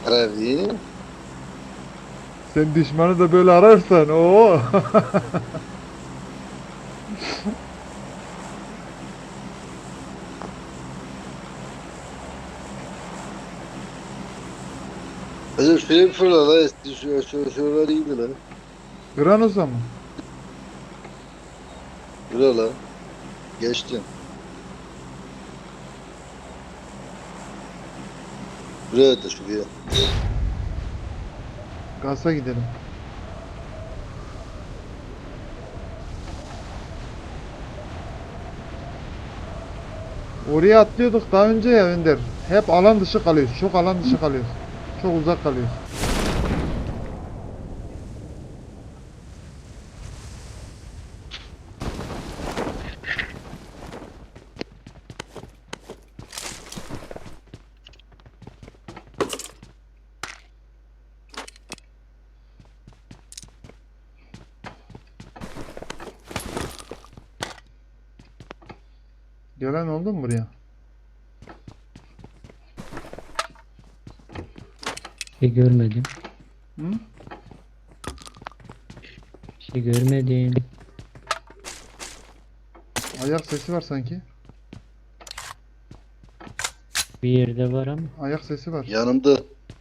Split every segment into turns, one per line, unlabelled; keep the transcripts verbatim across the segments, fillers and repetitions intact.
Arabi.
Sen düşmanı da böyle ararsan o.
Hocam şöyle bir fırla la eski şu şu şuralar iyiydi la.
Granos'a mı?
Fırla la. Geçtin. Buraya da şuraya.
Gas'a gidelim. Oraya atlıyorduk daha önce ya Önder. Hep alan dışı kalıyoruz. Çok alan dışı kalıyoruz. Çok uzak kalıyoruz. Gelen oldu mu buraya?
Bir şey görmedim.
Hı?
Bir şey görmedim.
Ayak sesi var sanki.
Bir yerde var ama.
Ayak sesi var.
Yanımda.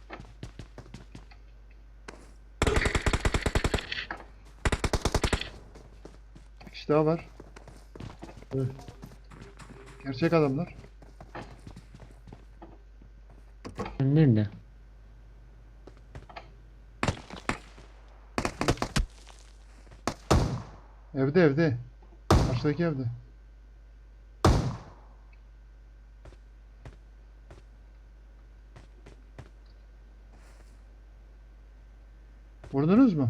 Bir kişi daha var. Gerçek adamlar.
Nerede?
Evde evde. Karşıdaki evde. Vurdunuz mu?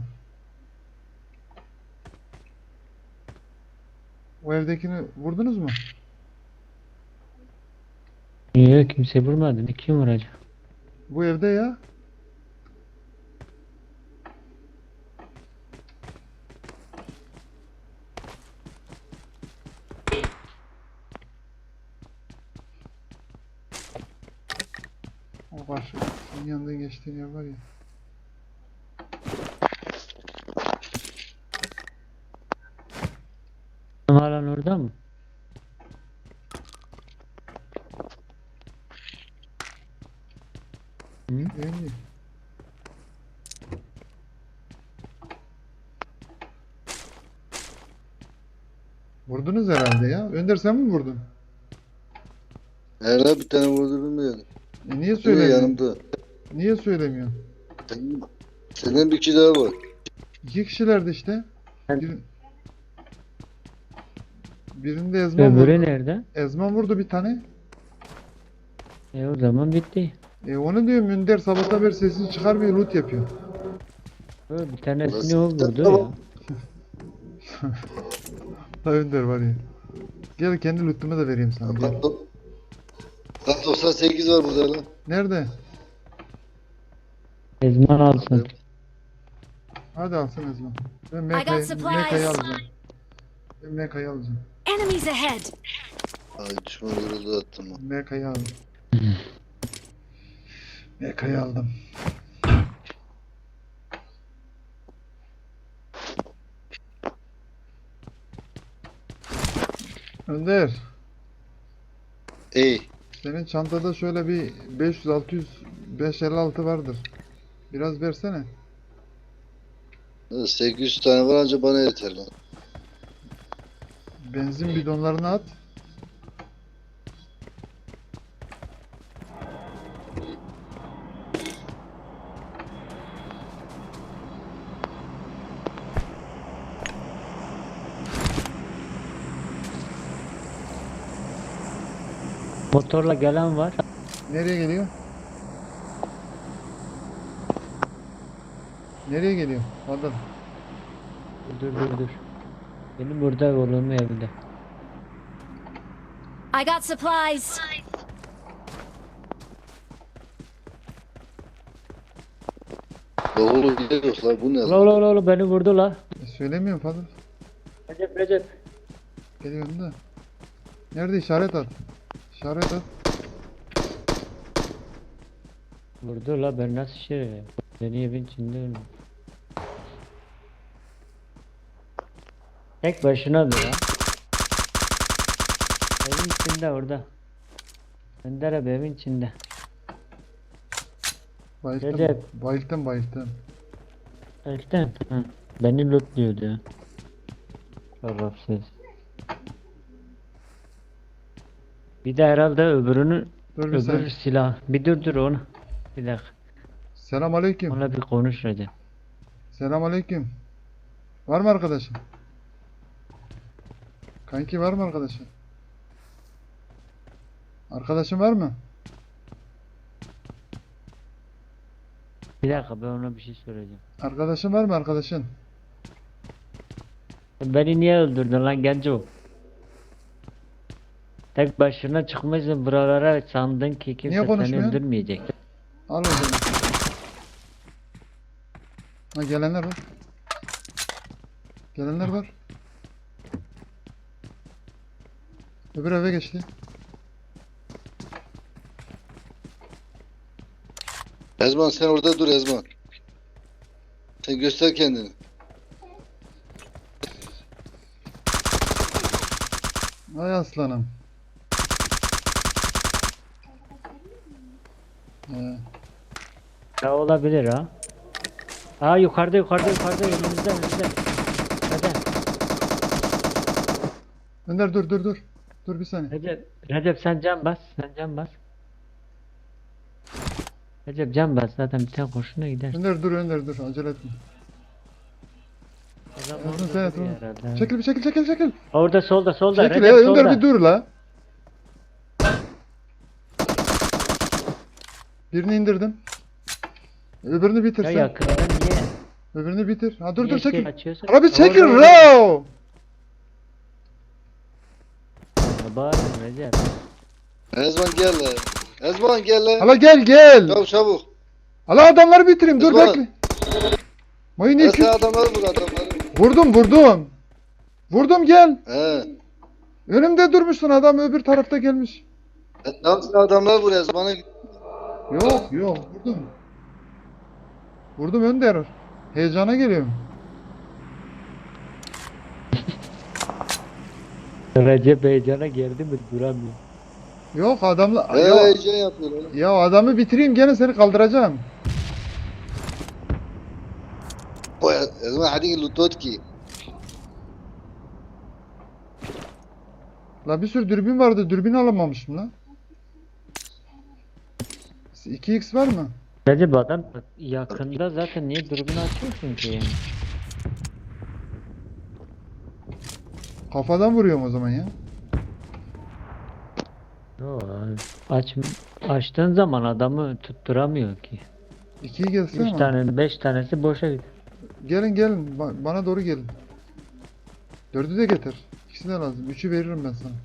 O evdekini vurdunuz mu?
Yok, kimse vurmadı. Bir kim vuracak?
Bu evde ya. O karşı. Senin yanından geçtiğin yer var ya.
Hala orada mı? Hı?
Değil. Vurdunuz herhalde ya. Önder sen mi vurdun?
Her bir tane vurdurdum ya.
E niye
Şuraya
söylemiyorsun?
yanımda.
Niye söylemiyorsun?
Senin, senin bir kişi daha var.
İki kişilerdi işte.
Ben-
Bir, birinde Ezman
Öbürü
vurdu.
nerede?
Ezman vurdu bir tane.
E o zaman bitti.
E onu diyorum Önder sabahtan beri sesini çıkarmıyor, loot yapıyor.
O, bir tanesini
Nasıl
o
bir tane
vurdu
daha
ya.
var?
Ha Önder var ya. Gel kendi lootumu da vereyim sana gel.
Lan do- lan doksan sekiz var burada lan.
Nerede?
Ezman alsın.
Hadi alsın Ezman. Ben
I got
Meka'yı Meka'yı
supplies.
alacağım. Ben Meka'yı alacağım.
Enemies ahead.
Ay düşman yoruldu attım lan.
Meka'yı aldım. Meka'yı aldım. Önder,
Ey.
senin çantada şöyle bir beş yüz altı yüz beş elli altı vardır. Biraz versene.
sekiz yüz tane var anca bana yeter lan.
Benzin bidonlarını at.
Motorla gelen var.
Nereye geliyor? Nereye geliyor? Adam.
Dur dur dur. Benim burada oğlum evde.
I got supplies.
Oğlum gidiyoruz lan bu ne
Ula
lan?
ula ula ula, beni vurdu la.
E, söylemiyorum Fadıl.
Recep Recep.
Geliyorum da. Nerede işaret at. İşaret at.
Vurdu la ben nasıl şey? Beni evin içinde öldü. Tek başına dur ha. Evin içinde orada. Önder abi evin içinde.
Bayılttım.
Recep.
Bayılttım bayılttım.
Elten. Hı. Beni lootluyordu ya. Şerefsiz. Bir de herhalde öbürünü
Dur bir
öbür
saniye.
silah. Bir dur dur onu. Bir dakika.
Selam aleyküm.
Onunla bir konuş Recep.
Selam aleyküm. Var mı arkadaşın? Kanki var mı arkadaşın? Arkadaşın var mı?
Bir dakika ben ona bir şey söyleyeceğim.
Arkadaşın var mı arkadaşın?
Beni niye öldürdün lan genco? Tek başına çıkmışsın buralara sandın ki kimse
Niye
seni
konuşmuyorsun?
öldürmeyecek.
Al o zaman. Ha gelenler var. Gelenler var. Öbür eve geçti.
Ezman sen orada dur Ezman. Sen göster kendini.
Ay aslanım. Ee,
Ya olabilir ha. Aa yukarıda yukarıda yukarıda önümüzde önümüzde. Hadi.
Önder dur dur dur. Dur bir saniye.
Recep, Recep sen can bas, sen can bas. Recep can bas zaten bir tane kurşuna gider.
Önder dur Önder dur acele etme.
Adam
Yazın
orada
sen et
duruyor
onu.
herhalde.
Çekil bir çekil çekil çekil.
Orada solda solda
Çekil
Recep
ya Önder
solda.
bir dur la. Birini indirdim. Öbürünü bitir
Ya
sen.
yakında niye?
Öbürünü bitir. Ha dur
niye
dur
şey
çekil.
açıyorsun?
Abi çekil
Orada, orada.
la.
Ya bağırma Recep.
Ezman gel lan. Ezman gel lan.
Hala gel gel.
Çabuk çabuk.
Hala adamları bitireyim dur
Ezman.
bekle. Mayın
Ben
iki.
sen adamları vur adamları.
Vurdum vurdum. Vurdum gel.
He.
Önümde durmuşsun adam öbür tarafta gelmiş.
E, Tamam sen adamları vur Ezman'a.
Yok yok vurdum. Vurdum Önder. Heyecana geliyorum.
Recep heyecana girdi mi duramıyor.
Yok adamla
He
ya,
heyecan yapıyor lan.
ya adamı bitireyim gene seni kaldıracağım.
Bu Ezman hadi lutot ki.
La bir sürü dürbün vardı dürbün alamamışım la. iki x var mı?
Recep adam yakında zaten niye dürbün açıyorsun ki yani?
Kafadan vuruyorum o zaman ya.
Yo, aç, açtığın zaman adamı tutturamıyor ki.
ikiyi gelsene
Üç
ama.
tane, beş tanesi boşa gidiyor.
Gelin gelin ba- bana doğru gelin. Dördü de getir. İkisi de lazım. Üçü veririm ben sana.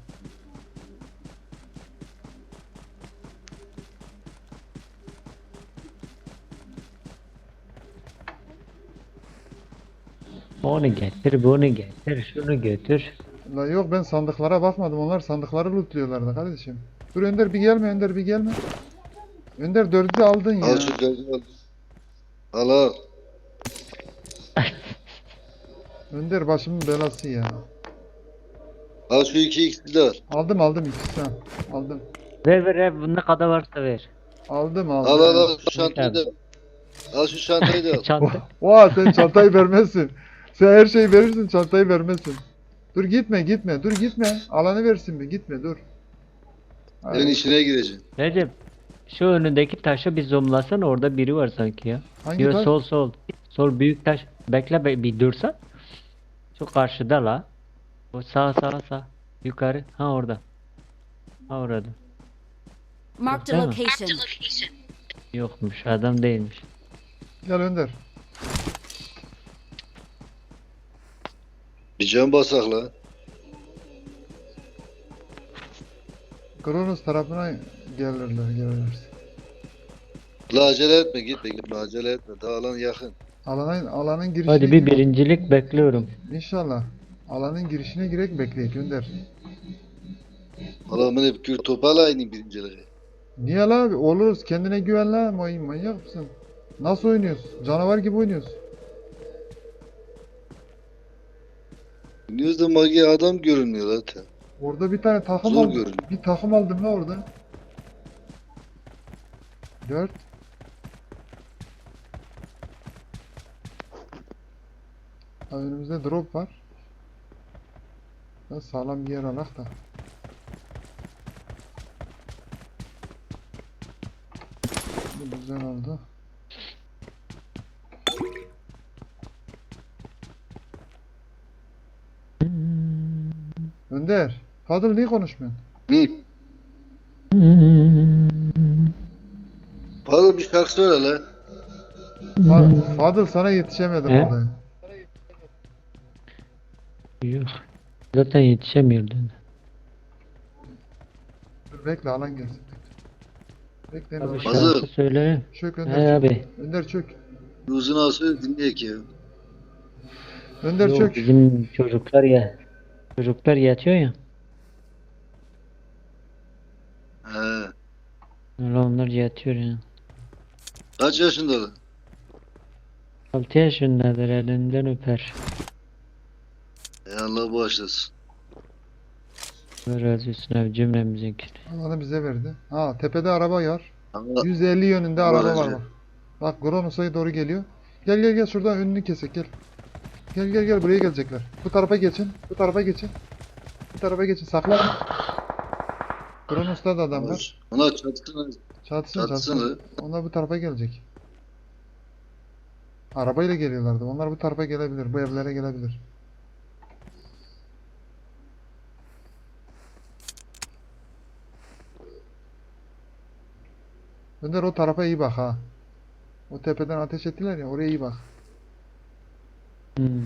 Onu getir, bunu getir, şunu götür.
La yok ben sandıklara bakmadım. Onlar sandıkları lootluyorlardı kardeşim. Dur Önder bir gelme Önder bir gelme. Önder dördü de aldın ya.
Al şu gözünü al. Al al.
Önder başımın belası ya.
Al şu iki ikisi de al.
Aldım aldım ikisi ha. Aldım.
Ver ver ver, bu ne kadar varsa ver.
Aldım aldım.
Al al al şu çantayı da. Al şu çantayı da al.
Çanta.
Oha sen çantayı vermezsin. Sen her şeyi verirsin çantayı vermezsin. Dur gitme gitme dur gitme. Alanı versin bir gitme dur. Hadi.
Senin işine gireceksin.
Recep, şu önündeki taşı bir zoomlasana, orada biri var sanki ya.
Hangi
Yo,
taş?
sol sol. Sol büyük taş. Bekle be, bir dursan. Şu karşıda la. O sağ sağ sağ. Yukarı. Ha orada. Ha orada.
Marked a
Değil mi?
location.
Yokmuş, adam değilmiş.
Gel Önder.
Bir can basak la.
Kronos tarafına gelirler gelirler.
La acele etme gitme gitme acele etme. Daha alan yakın.
Alanın alanın girişine
Hadi bir
gir-
birincilik bekliyorum.
İnşallah. Alanın girişine girek bekleyek Önder.
Alan beni bir kür topal aynı birinciliği.
Niye la abi? Oluruz. Kendine güven la. May manyak mısın? Nasıl oynuyorsun? Canavar gibi oynuyorsun.
Dünyada magi adam görünmüyor zaten.
Orada bir tane takım
Zor
aldım.
görünüyor.
Bir takım aldım la orada. Dört. Ha, önümüzde drop var. Ya sağlam bir yer alak da. Bu güzel oldu. Önder. Fadıl niye konuşmuyorsun?
Hı. Fazla bir şarkı söyle lan.
Fa- Fadıl sana yetişemedim
He?
orada.
Yok. Zaten yetişemiyordun.
Dur bekle alan gelsin. Bekle.
Abi
Bekle.
Hazır.
şarkı söyle.
Çök
He
Önder çök.
abi.
Önder çök.
Uzun ağası dinleyek ya.
Önder
Yok
çök.
bizim çocuklar ya. Çocuklar yatıyor ya.
He.
Öyle onlar yatıyor ya.
Kaç yaşındalar?
altı yaşındadır, elinden öper.
Ey Allah bağışlasın.
Allah razı olsun abi cümlemizinkini.
Alanı bize verdi. Ha tepede araba var.
Allah,
yüz elli yönünde
Allah
araba
razı
var bak. Bak Kronos'a doğru geliyor. Gel gel gel şuradan önünü kesek gel. Gel gel gel buraya gelecekler. Bu tarafa geçin. Bu tarafa geçin. Bu tarafa geçin. Saklan. Kronos'ta da adam var.
Ona çatısına
Çatışın
Çatışın
çatışın.
lan.
Onlar bu tarafa gelecek. Arabayla geliyorlardı. Onlar bu tarafa gelebilir. Bu evlere gelebilir. Önder o tarafa iyi bak ha. O tepeden ateş ettiler ya oraya iyi bak.
Hmm.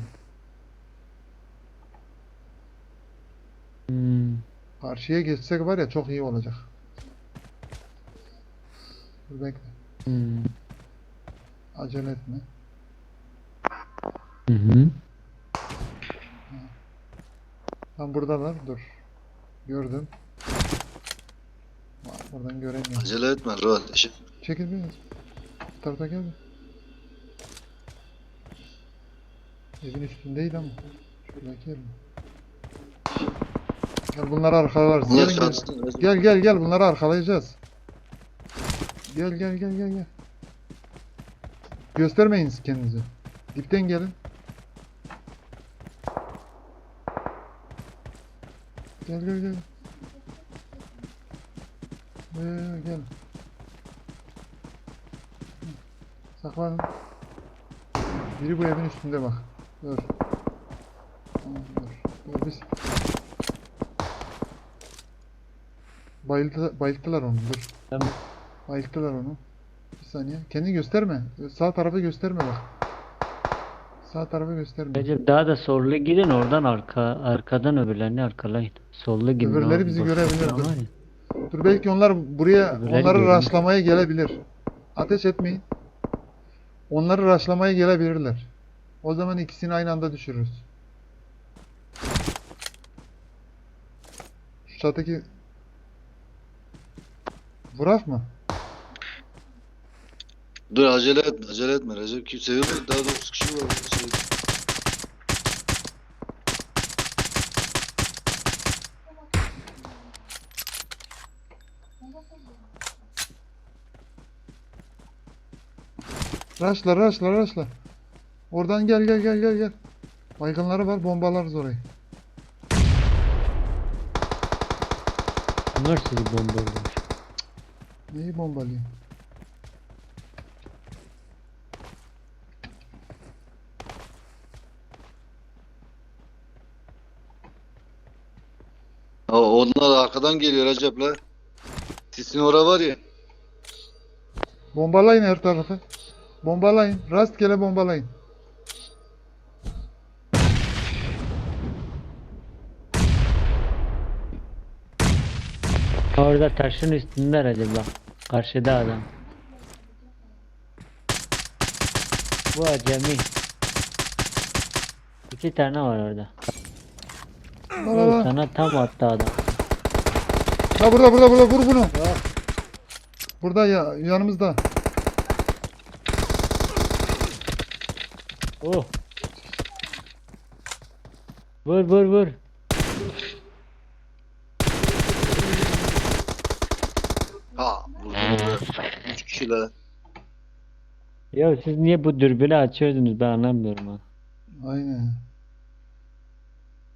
Hmm.
Karşıya geçsek var ya çok iyi olacak. Dur bekle.
Hmm.
Acele etme.
Hı hı.
Tam buradalar. Dur. Gördüm. Bak, buradan göremiyorum.
acele etme. Rahat etme.
Çekil biraz. Bu tarafa gel. Evin üstündeydi ama. Şuradaki yer mi? Gel bunları arkalarız.
Onlar
Gelin, gel.
çatısına.
Gel gel gel bunları arkalayacağız. Gel gel gel gel gel. Göstermeyin kendinizi. Dipten gelin. Gel gel gel. Ee, gel. Saklanın. Biri bu evin üstünde bak. Dur. Tamam, dur. Dur biz. Bayıldı, bayılttılar onu. Dur.
Tamam.
Bayılttılar onu. Bir saniye. Kendini gösterme. Sağ tarafı gösterme bak. Sağ tarafı gösterme.
Recep daha da sollu gidin oradan arka arkadan öbürlerini arkalayın. Sollu gidin.
Öbürleri
o
bizi
boş
görebilir,
falan
dur.
var ya.
Dur belki onlar buraya
Öbürleri
onları
görünüyor.
raşlamaya gelebilir. Ateş etmeyin. Onları raşlamaya gelebilirler. O zaman ikisini aynı anda düşürürüz. Şu çatıdaki Vurak mı?
Dur acele etme. Acele etme. Recep kimse yok. Daha dokuz kişi var. Şey,
Raşla raşla raşla. Oradan gel gel gel gel gel. Baygınları var bombalarız orayı.
Bunlar sizi bombalıyor.
Neyi bombalıyor?
Ha, onlar arkadan geliyor Recep la. Sisin ora var ya.
Bombalayın her tarafı. Bombalayın. Rastgele bombalayın.
Orada taşın üstünde Recep bak. Karşıda adam. Bu acemi. İki tane var orada.
La la la.
Sana tam attı adam.
La burada burada burada vur bunu. Burada ya yanımızda.
Oh. Vur vur vur.
Ha vurdum. Üç kişiler.
Ya siz niye bu dürbünü açıyordunuz ben anlamıyorum ha.
Aynen.